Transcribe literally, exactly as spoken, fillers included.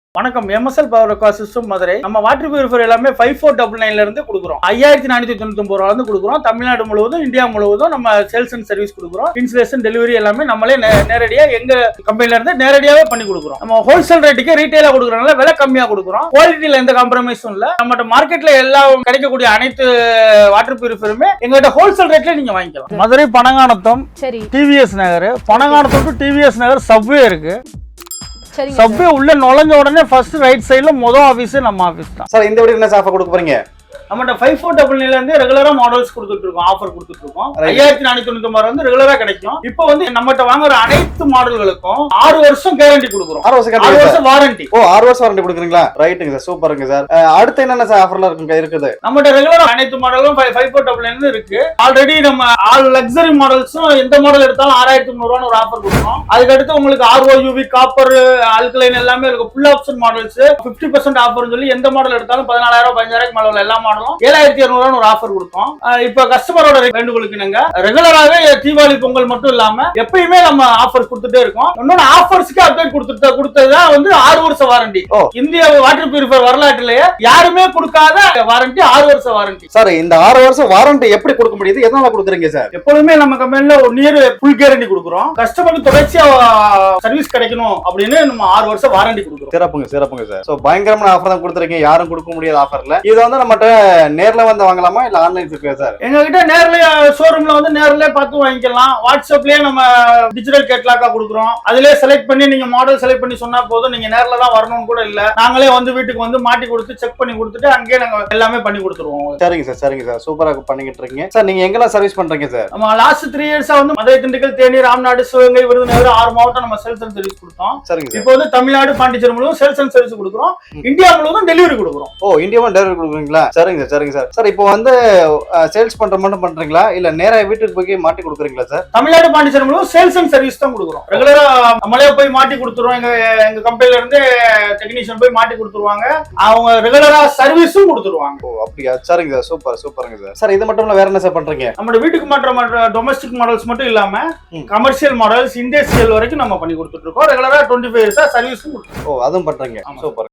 வணக்கம். MSL power aqua system Madurai. நம்ம water purifier எல்லாமே ஃபைவ் ஃபோர் டபுள் நைன்ல இருந்து கொடுக்குறோம். ஐயாயிரத்தி நானூத்தி தொண்ணூத்தி ஒன்பது ரூபாய் இருந்து கொடுக்குறோம். தமிழ்நாடு முழுவதும் இந்தியா முழுவதும் நம்ம சேல்ஸ் அண்ட் சர்வீஸ் கொடுக்குறோம். இன்ஸ்டலேஷன் டெலிவரி எல்லாமே நம்மளே நேரடியா எங்க கம்பெனில இருந்து நேரடியாவே பண்ணி கொடுக்குறோம். நம்ம ஹோல்சேல் ரேட்டுக்கு ரீட்டைலா கொடுக்குறதுனால விலை கம்மியா கொடுக்குறோம். குவாலிட்டியில எந்த காம்ப்ரமைஸும் இல்ல. நம்ம மார்க்கெட்ல எல்லா கிடைக்கக்கூடிய அனைத்து வாட்டர் பியூரிஃபையருமே எங்ககிட்ட ஹோல்சேல் ரேட்ல நீங்க வாங்கிக்கலாம். Madurai Panangkanatham TVS Nagar, Panangkanatham to TVS Nagar subway இருக்கு. சப்வே உள்ள நுழைஞ்ச உடனே ஃபர்ஸ்ட் ரைட் சைடுல மொதல் ஆபீஸ் நம்ம ஆபீஸ் தான். சார் இந்த வீடியோ என்ன ஆஃபர் கொடுக்க போறீங்க? நம்மகிட்ட ஃபைவ் ஃபோர் டபுள் நைன்ல இருந்து ரெகுலரா மாடல்ஸ் கொடுத்துட்டு இருக்கோம், ஆஃபர் கொடுத்துட்டு இருக்கோம். ஐயாயிரத்தி நானூத்தி தொண்ணூத்தி ஒன்பது வந்து ரெகுலரா கிடைக்கும். இப்போ வந்து நம்மகிட்ட வாங்குற அனைத்து மாடல்களுக்கும் ஆறு வருஷம் கேரண்டி கொடுக்குறோம். ஆறு வருஷம் வாரண்டி. ஓ ஆறு வருஷம் வாரண்டி கொடுக்குறீங்களா? ரைட்டுங்க சார், சூப்பருங்க சார். அடுத்து என்னென்ன சார் ஆஃபர்லாம் இருக்குங்க இருக்குது? நம்மகிட்ட ரெகுலரா அனைத்து மாடலும் ஃபைவ் ஃபோர் டபுள் நைன் இருக்கு. ஆல்ரெடி நம்ம ஆல் லக்ஸரி மாடல்ஸும் எந்த மாடல் எடுத்தாலும் ஆறாயிரத்தி முந்நூறு ஒரு ஆஃபர் கொடுக்கும். அதுக்கடுத்து உங்களுக்கு ஆர்ஓ யூவி காப்பர் ஆல்கலைன் எல்லாமே இருக்கு. Full option models fifty percent offer சொல்லி எந்த மாடல் எடுத்தாலும் பதினாலாயிரம் பதினஞ்சாயிரம் மேல உள்ள எல்லா மாடலும் ஏழாயிரத்தி இருநூறு ஒரு ஆஃபர் கொடுத்தோம். இப்ப கஸ்டமரோட வேண்டுகோளுக்கு நாங்க ரெகுலராகவே தீபாவளி பொங்கல் மட்டும் இல்லாம எப்பயுமே நம்ம ஆஃபர் கொடுத்துட்டே இருக்கோம். இன்னொன்னு ஆஃபர்ஸ்க்கு அப்டேட் கொடுத்துட்டு கொடுத்ததுதான் வந்து ஆறு வருஷம் வாரண்டி. இந்திய வாட்டர் பியூரிஃபையர் வரலாற்றிலேயே யாருமே கொடுக்காத வாரண்டி ஆறு வருஷம் வாரண்டி. சார் இந்த ஆறு வருஷம் வாரண்டி எப்படி கொடுக்க முடியுது? எதனால கொடுக்குறீங்க சார்? எப்பொழுதுமே நம்ம கம்பெனில ஒரு நியர் ஃபுல் கேரண்டி கொடுக்குறோம். கஸ்டமருக்கு தொடர்ச்சியா சர்வீஸ் கிடைக்கணும் அப்படின்னு நம்ம ஆறு வருஷம் வாரண்டி கொடுக்குறோம். சிறப்புங்க சிறப்புங்க சார். சோ பயங்கரமான ஆஃபர் தான் கொடுத்துருக்கீங்க. யாரும் கொடுக்க முடியாத ஆஃபர்ல. இது வந்து நம்மகிட்ட நேர்ல வந்து வாங்கலாமா இல்ல ஆன்லைன் இருக்கா சார்? எங்க கிட்ட நேர்ல ஷோரூம்ல வந்து நேர்ல பார்த்து வாங்கிக்கலாம். வாட்ஸ்அப்லயே நம்ம டிஜிட்டல் கேட்லாக்கா கொடுக்குறோம். அதிலே செலக்ட் பண்ணி நீங்க மாடல் செலக்ட் பண்ணி சொன்னா போதும். நீங்க நேர்ல தான் வரணும்னு கூட இல்ல, நாங்களே வந்து வீட்டுக்கு வந்து மாட்டி கொடுத்து செக் பண்ணி கொடுத்துட்டு அங்கேயே நாங்க எல்லாமே பண்ணி கொடுத்துருவோம். சரிங்க சார் சரிங்க சார், சூப்பரா பண்ணிக்கிட்டு இருக்கீங்க சார். நீங்க எங்கெல்லாம் சர்வீஸ் பண்றீங்க சார்? நம்ம லாஸ்ட் த்ரீ இயர்ஸா வந்து மதுரை, திண்டுக்கல், தேனி, ராம்நாடு, சிவகங்கை, விருதுநகர் ஆறு மாவட்டம் நம்ம சேல்ஸ் அண்ட் சர்வீஸ் கொடுத்தோம். சரிங்க. இப்போ வந்து தமிழ்நாடு, பாண்டிச்சேரி முழுவதும் சேல்ஸ் அண்ட் சர்வீஸ் கொடுக்குறோம். இந்தியா முழுவதும் டெலிவரி கொடுக்குறோம். ஓ இந்தியாவும் டெலிவரி கொடுக்குறீங்களா? சரிங்க சார் சரிங்க சார். சார் இப்போ வந்து சேல்ஸ் பண்ற மட்டும் பண்றீங்களா இல்ல நேரா வீட்டுக்கு போய் மாட்டி கொடுக்குறீங்களா சார்? தமிழ்நாடு, பாண்டிச்சேரி முழுவதும் சேல்ஸ் அண்ட் சர்வீஸ் தான் கொடுக்குறோம். ரெகுலரா நம்மளே போய் மாட்டி கொடுத்துருவோம். எங்க எங்க கம்பெனில இருந்து டெக்னீஷியன் போய் மாட்டி கொடுத்துருவாங்க. அவங்க ரெகுலரா சர்வீஸும் கொடுத்துருவாங்க. ஓ அப்படியா? சரிங்க சார், சூப்பர் சூப்பருங்க சார். சார் இது மட்டும் இல்ல வேற என்ன சார் பண்றீங்க? நம்ம வீட்டுக்கு மாற்ற டொமஸ்டிக் மாடல்ஸ் மட்டும் இல்லாம கமர்ஷியல் மாடல்ஸ், இண்டஸ்ட்ரியல் வரைக்கும் நம்ம பண்ணி கொடுத்துட்டு இருக்கோம். ரெகுலரா டுவெண்ட்டி ஃபைவ் இயர்ஸா சர்வீஸும் கொடுத்துருக்கோம். ஓ அதுவும் பண்றீங்க, சூப்பர்.